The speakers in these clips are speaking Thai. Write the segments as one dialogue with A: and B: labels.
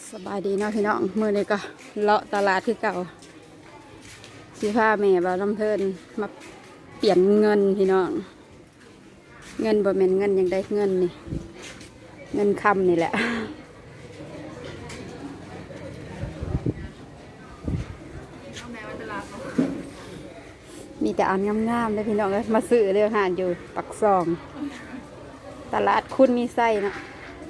A: สบายดีเนาะพี่น้องมื้อนี้ก็เลาะตลาดคือเก่าสิพาแม่บ่าวน้ำเทินมาเปลี่ยนเงินพี่น้องเงินบ่แม่นเงินยังได้เงินนี่เงินคำนี่แหละมีแต่อันงามๆเลยพี่น้องเลยมาซื้อเรื่องหานอยู่ปักซองตลาดคุณมีไส้เนาะ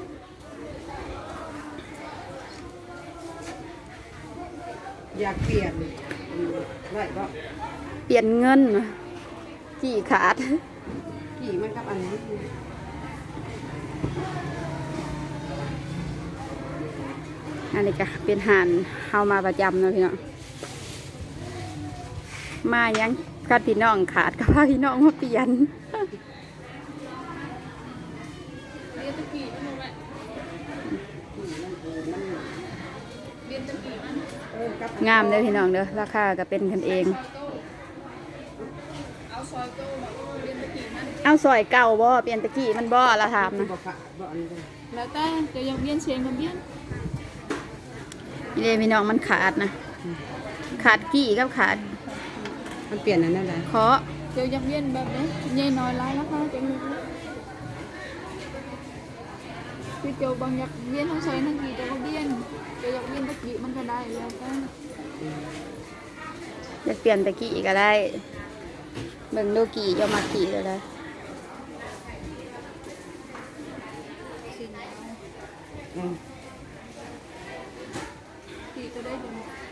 B: อยากเปลี่ยนไรก็
A: เปลี่ยนเงินกี่ขาด
B: กี่มันกับอันนี้
A: อันนี้ก็เป็นหานเฮามาประจำเนาะพี่น้องมายังกัดพี่น้องขาดกับพาพี่น้องมาเปลี่ยนงามเลยพี่น้องเด้อราคาก็เป็นกันเองเอาซอยเก่าบ่เปลี่ยนตะกี้มันบ่ละถามนะ
C: แล้วแต่จะยังเบี้ยนเชียงกับเบี้ยน
A: นี่เลยพี่น้องมันขาดนะขาดกี่กับขาด
B: มันเปลี่ยนอันนั้นเลย
A: เคาะ
C: จะยังเบี้ยนแบบนี้ใหญ่น้อยร้ายแล้วค่ะจะมีคือเจ้าบางอยากเบี้ยนทั้งใช้ทั้งกี่จะก็เบี้ยนจะอยากเบี้ยนตะกี้มันก็ได้แล้วแต่
A: จะเปลี่ยนตะกี้ก็ได้เบิ่งดูกี่จะมากี่เลยได้
C: กี่ก็ได้ดู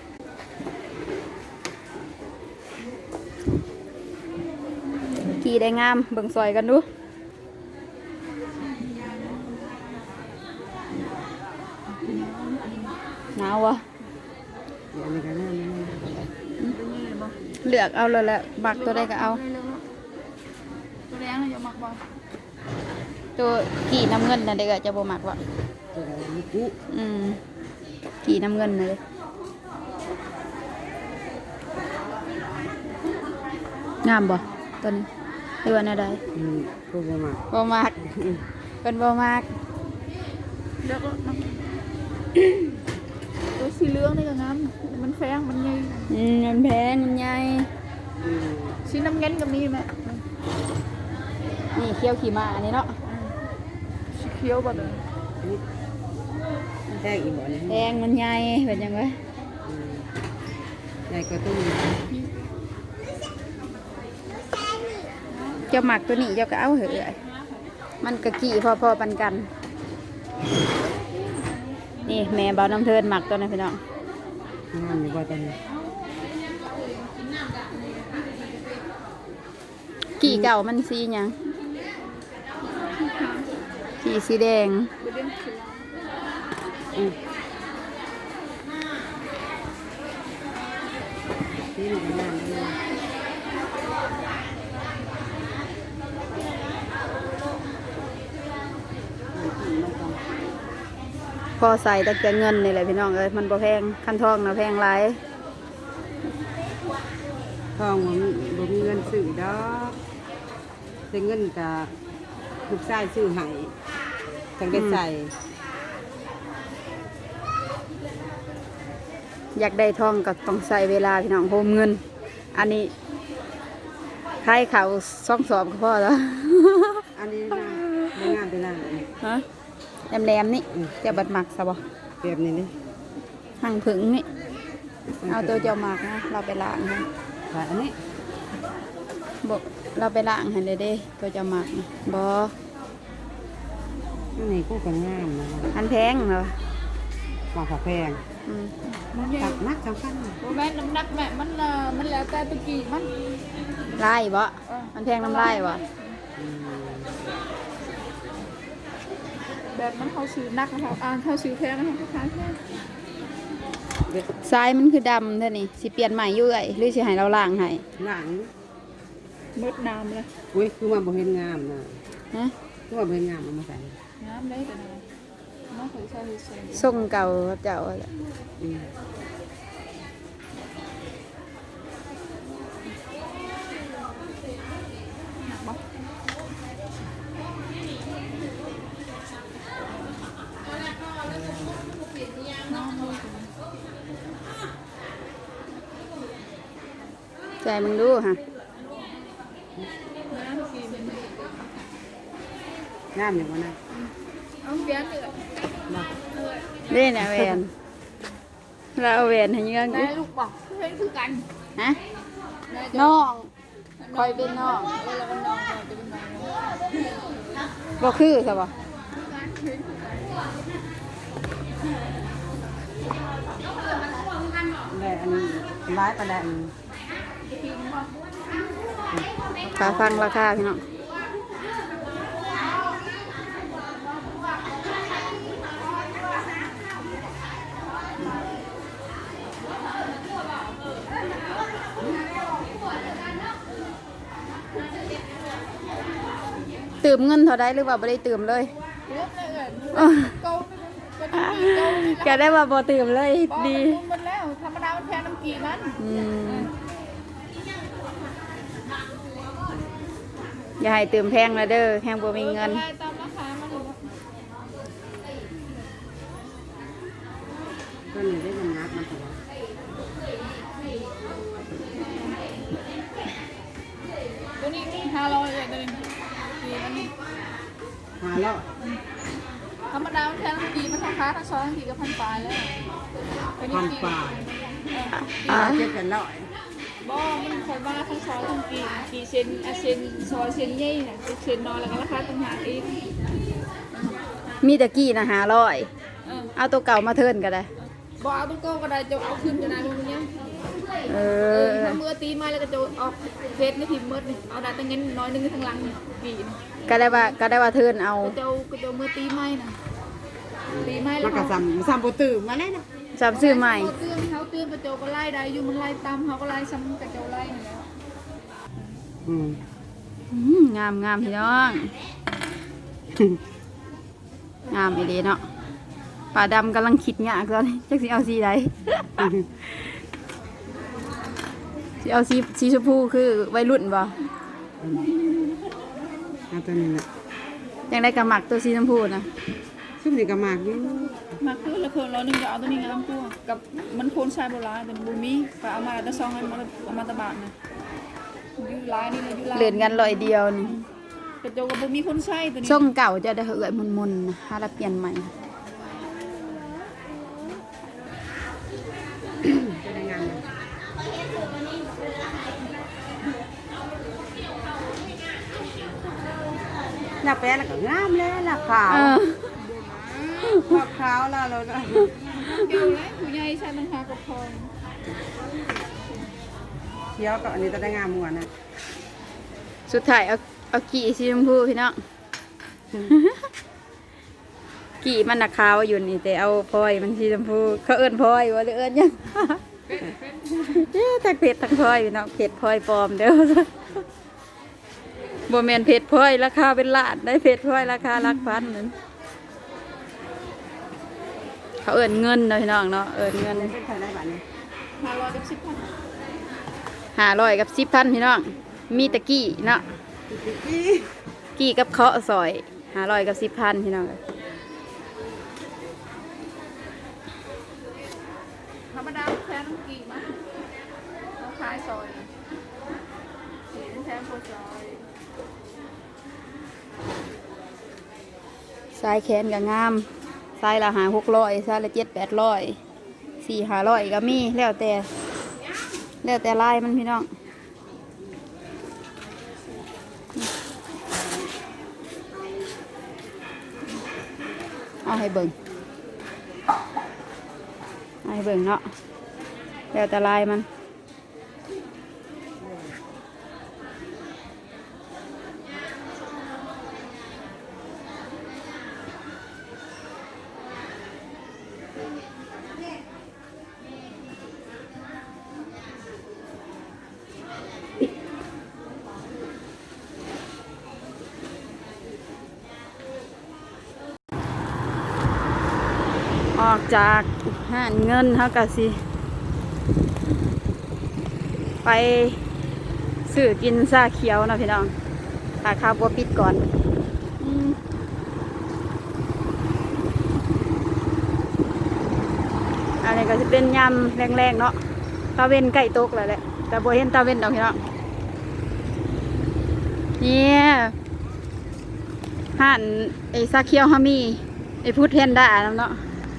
A: กี่ได้งามเบิ่งซอยกันดูหนาววะเลือกเอาเลยแหละมักตัวใดก็เอา
C: ตัวแดงจะหมักบ่
A: ตัวกี่น้ำเงินน่ะเด็กจะบ่มักวะกี่น้ำเงินเลยงามบ่ตัวนี้หรือว่าอะไรบ่มักเป็นบ่มัก
C: แล้วก็ตัวสีเหลืองนี่ก็งามมันแพงมันใหญ่
A: มันแพงมันใหญ่
C: สีน้ำเงินก็มีแม่
A: นี่เคี้ยวขี่ม้าอันนี้เนาะ
C: สีเขียวบ่ตัว
B: แพงอีกบ่เนี่ย
A: แพงมันใหญ่เป็นยังไง
B: ใหญ่กว่าตู้
A: เจ้าหมักตัวนี้เจ้าก็เอาเหอะมันกะกี่พอปันกันนี่แม่บ่าวน้ำเทินหมักตัวนี้พี่น้อง
B: งามอยู่บ่ตัวนี้
A: กี่เก่ามันสีหยังกี่สีแดง
B: นี่มันงามเลย
A: พอใส่แต่เงินนี่แหละพี่น้องเอ้ยมันบ่แพงคันทองนะแพงหลาย
B: ทองมันบ่มีเงินซื้อดอกแต่เงินก็ลูกชายซื้อให้จังได้ใส่
A: อยากได้ทองก็ต้องใส่เวลาพี่น้องโฮมเงินอันนี้ใครเขาซ่องสอบก็พอแล้ว
B: อันนี้นะไม่งามไปล่าง
A: ฮะแหลมนี่จะบัดหมักซะบ่
B: เปรียบนี่นี่
A: หั่งผึ่งนี่เอาตัวเจ้าหมักนะเราไปล้างนะ
B: อันนี้
A: บอกเราไปล้างให้เลยเด้ตัวเจ้าหมักนะบ่
B: อันนี้ก็กันงามนะ
A: อันแพงเหรอ
B: หมากแพงตักนักสำคัญ
C: แม่น้ำหนักแม่มันแล้วแต่ตะกี้มัน
A: ไล่บ่มันแพงน้ำไล่บ่
C: แบบมันเขาซื้อนักเขาเขาซื้อแพงเขาขายแพง
A: ทรายมันคือดำเท่านี้สิเปลี่ยนใหม่อยู่หรือสิให้เราล้างให้
B: หลัง
C: มืดน้ำเลย
B: อุ้ยคือว่าบ่เห็นงามนะ
A: ฮะ
B: คือว่าบ่เห็นงามเอามาใส่
C: งามได้แต่น้องเคยใส่
A: ส่งเก่าเจ้าแหละ
C: น้อง
A: ใจมึงดูฮะ
B: งามอย่างว่านะ
C: เอาเปลี่ยนเลย
B: บ่
A: เล่นอะแหวนเราเอาแหวนให้ยัง
C: ได้ลูกบอกเพื่อนคือกัน
A: ฮะ
C: ได้
A: น้องคอยเป็นน้อง
C: แล้วก็น้องจะเป็นน้อง
A: บ่คือซะบ่
B: ได้อันร้ายประดัน
A: ขาฟังราคาพี่น้องตื่มเงินเท่าใดหรือว่าบ่ได้ตื่มเลย
C: เริ่มเลย
A: อ้อ
C: เกาก็ต้องมีเกา
A: ก็ได้ว่าบ่ตื่มเลยดี
C: มันแล้วธรรมดามันแพงน้ำกีมัน
A: อย่าให้ตื่มแพงนะเด้อแพงบ่มีเงิน
C: ได้ตามราคามันเลย
B: ตัวนี้ได้มันนักมันตัว
C: ตัวนี้500เลยตัวนี้กีมัน
B: หาแล้ว
C: ธรรมดามันแพงน้ำกีมันราคาทั้งซอยทั้งกีก็1,000 ปลายแล้ว
B: พันป่า
A: อ่า
B: เจ็ดเป็นร้อย
C: บ่มันคอยว่าทั้งซอยทั้งกีเซนเซนซอยเซนใหญ่น่ะเซนน้อยแล้วก็ราคาต่างหากอีก
A: มีตะกี้นะ500
C: เออ
A: เอาตัวเก่ามาเทิร์นก็ได้
C: บ่เอาตัวเก่าก็ได้จะเอาขึ้นจะได้มันยัง
A: เออ
C: ถ้ามือตีไม้แล้วก็จะออกเฟซในพิมพ์มืดนี่เอาได้ตั้งเงินน้อยนึงข้างหลังนี่ปีน
A: ก็ได้ว่าเทิร์นเอา
C: ก็จะมือตีไม้น่ะตีไม้แล้
B: มั
C: วน
B: ก็ซ้ำบ่ตื่นมาเลยนะ
A: จำชื่อใหม่
C: เขาเตือนกระโจก็ไล่ได้อยู่มันไล่ตามเขาก็ไล่ซ้ำกระโจไล่นี่แล้ว
B: อืม
A: งามงามพี่น้อง งามอีเดีเนาะป่าดำกำลังคิดยากตอนนี้จักสิเอาสีใด สิเอาสีชมพูคือวัยรุ่นบ่
B: เอาตัวนี้แหละ
A: ยังได้กระหมักตัวสีชมพูนะ
B: ซุ่มนี่ก็มากอยู่
C: มาคือละคน100จะเอาตัวนี้งามกว่ากับมันโคนชายโบราณแต่บูมีไปเอามาแต่ซองให้มันเอามาตะบาดนะอยู่ลายนี่เลยอยู่ลาย
A: เหรียญกันร้อยเดียวนี่
C: กระโจกับบูมีคนใช้ตัวนี้
A: ส่งเก่าจะได้เอื่อยมุนๆนะหาแล้วเปลี่ยนใหม่
B: จะได้งานนะหน้าแปะแล้วก็งามแล้วล่ะขาว
A: เออ
B: ขาวแล้วเรา
C: เกี่ยวแล้วผู้ใหญ่ใช้มันหากับพอง
B: เขียวกับอันนี้จะได้งามมัวนะ
A: สุดท้ายเอากี่สีชมพูพี่น้อง กี่มันนักขาวอยู่นี่แต่เอาพลอยมันสีชมพูเขาเอิ้นพลอยว่าหรือเอิ้นหยัง ทั้งเพชรทั้งพลอยพี่น้องเพชรพลอยปลอมเด้อ บ่แม่นเพชรพลอยราคาเป็นล้านได้เพชรพลอยราคาหลักพันนั่นเขาเอิ้นเงินเนาะพี่น้องเนาะเอิ้นเงิน
B: เป็นใครได้บ้านี้
C: 500กับ10,000
A: 500กับ10,000พี่น้องมีตะกี้เนาะกี้กับเคาะซอย500กับ10,000พี่น้อง
C: ธรรมดาแพงน้ำกีมั้ยเขาขายซอยแพงกว่าซอย
A: สายแขนก็งามสายละ500-600สายละ700-800 400-500ก็มีแล้วแต่ลายมันพี่น้องเอาให้เบิ่งเนาะแล้วแต่ลายมันออกจากห้างเงินเขาก็สิ ไปซื้อกินซาเขียวนะพี่น้องถ้าข้าวบัวปิดก่อนอันนี้ก็จะเป็นยำแรงๆเนาะตะเวนไก่ตกแล้วแหละแต่บ่เห็นตาเว้นดอกพี่น้องเนี่ยห่านไอ้ซาเคียวฮามีไอ้พุทธเฮนด้าเนาะ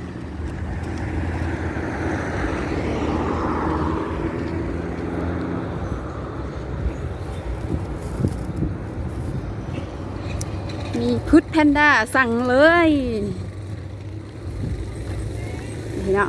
A: มีพุทธแพนด้าสั่งเลยพี่น้อง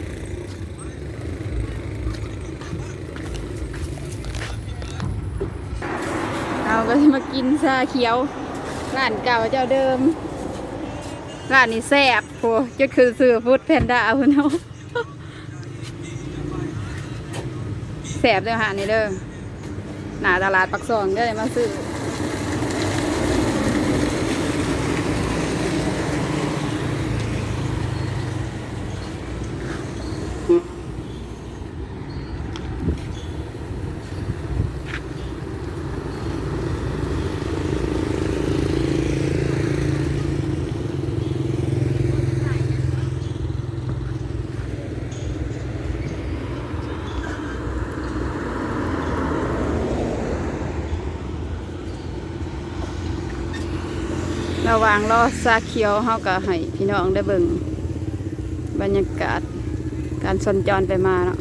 A: เราก็จะมากินชาเขียวร้านเก่าเจ้าเดิมร้านนี้แซ่บโหจุดคือซื้อพุทธแพนด้าคุณเนาะแซ่บเด้อหานี่เด้อหน้าตลาดปักซองได้มาซื้อระหว่างรอซาเขียวเฮาก็ให้พี่น้องได้เบิ่งบรรยากาศการสัญจรไปมาเนาะ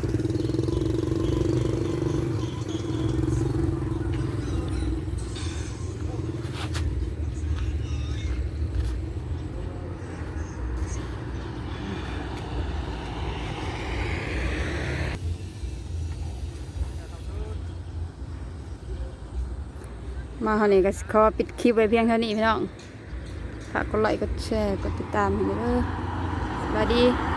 A: มาเท่านี้ก็ขอปิดคลิปไว้เพียงเท่านี้พี่น้องฝากกดไลค์กดแชร์กดติดตามให้ด้วยสวัสดี